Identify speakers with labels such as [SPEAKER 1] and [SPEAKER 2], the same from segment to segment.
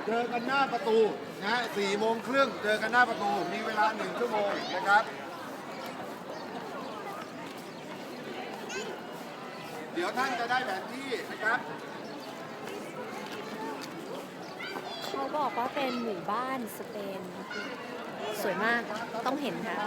[SPEAKER 1] เจอกันหน้าประตูนะ4 โมงครึ่งเจอกันหน้าประตูมีเวลา1 ชั่วโมงนะครับเดี๋ยวท่านจะได้แผนที่นะครับ
[SPEAKER 2] เขาบอกว่าเป็นหมู่บ้านสเปน สวยมากต้องเห็นค่ะ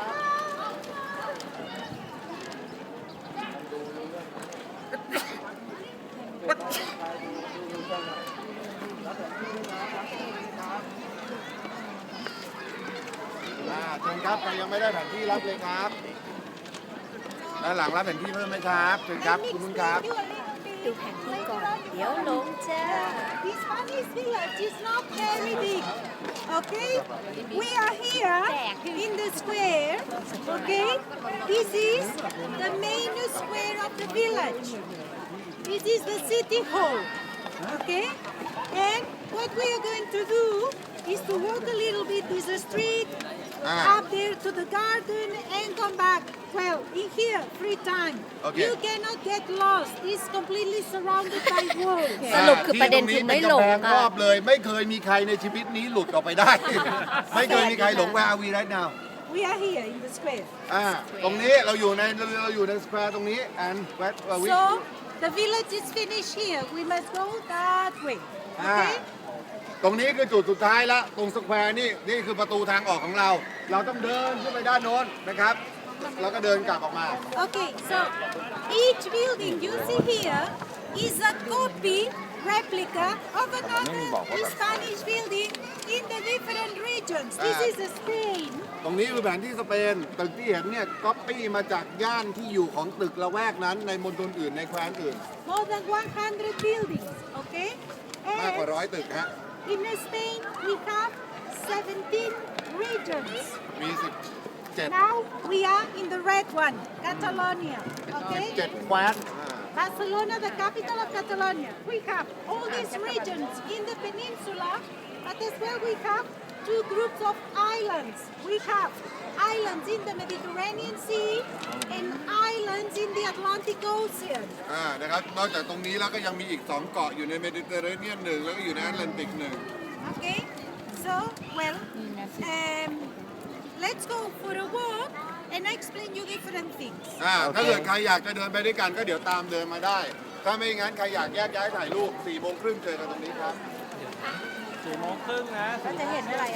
[SPEAKER 1] เชิญครับใครยังไม่ได้แผนที่รับเลยครับด้านหลังรับแผนที่เพิ่มไหมครับเชิญครับคุณนุ่นครับ
[SPEAKER 2] ดูแผนที่ก่อน เดี๋ยวหลงจ้า
[SPEAKER 3] This Spanish village is not very big. Okay? We are here in the square. Okay? This is the main square of the village. This is the city hall. Okay? And what we are going to do is to walk a little bit this street, up there to the garden and come back. Well, in here, free time.
[SPEAKER 1] Okay.
[SPEAKER 3] You cannot get lost. It's completely surrounded by walls.
[SPEAKER 2] สรุปคือประเด็นคือไม่หลง
[SPEAKER 1] ที่ตรงนี้เป็นกำแพงร
[SPEAKER 2] ค่ะ
[SPEAKER 1] อบเลย ไม่เคยมีใครในชีวิตนี้หลุดออกไปได้ ไม่เคยมีใครหลง Where are we right now
[SPEAKER 3] We are here in the square.
[SPEAKER 1] ตรงนี้เราอยู่ในสแควร์ตรงนี้ and where are we
[SPEAKER 3] So the village is finished here. We must go that way. Okay?
[SPEAKER 1] ตรงนี้คือจุดสุดท้ายแล้วตรงสแควร์นี่คือประตูทางออกของเรา เราต้องเดินขึ้นไปด้านโน้นนะครับ แล้วก็เดินกลับออกมา
[SPEAKER 3] Okay. So each building you see here is a copy replica of another Spanish building in the different regions. This is Spain.
[SPEAKER 1] ตรงนี้คือแผนที่สเปนตึกที่เห็นเนี่ยก๊อปปี้มาจากย่านที่อยู่ของตึกละแวกนั้นในมณฑลอื่นในแคว้นอื่น
[SPEAKER 3] More than 100 buildings. Okay?
[SPEAKER 1] มากกว่า
[SPEAKER 3] And
[SPEAKER 1] 100 ตึกฮะ
[SPEAKER 3] in Spain we have 17 regions.
[SPEAKER 1] มี
[SPEAKER 3] Now we are in the red one, Catalonia. Okay?
[SPEAKER 1] 17 แคว้น
[SPEAKER 3] Barcelona, the capital of Catalonia. We have all these regions in the peninsula, but as well we have two groups of islands. We have islands in the Mediterranean Sea and islands in the Atlantic Ocean.
[SPEAKER 1] นะครับ นอกจากตรงนี้แล้วก็ยังมีอีก 2 เกาะอยู่ในเมดิเตอร์เรเนียนหนึ่งแล้วก็อยู่ในแอตแลนติกหนึ่ง
[SPEAKER 3] Okay? So, well, let's go for a walk and I explain you different things.
[SPEAKER 1] ถ้าเกิดใครอยากจะเดินไปด้วยกันก็เดี๋ยวตามเดินมาได้ ถ้าไม่งั้นใครอยากแยกย้ายถ่ายรูป4 โมงครึ่งเจอกันตรงนี้ครับ
[SPEAKER 4] 4 โมงครึ่งนะ
[SPEAKER 2] ก็จะเห็นอะไร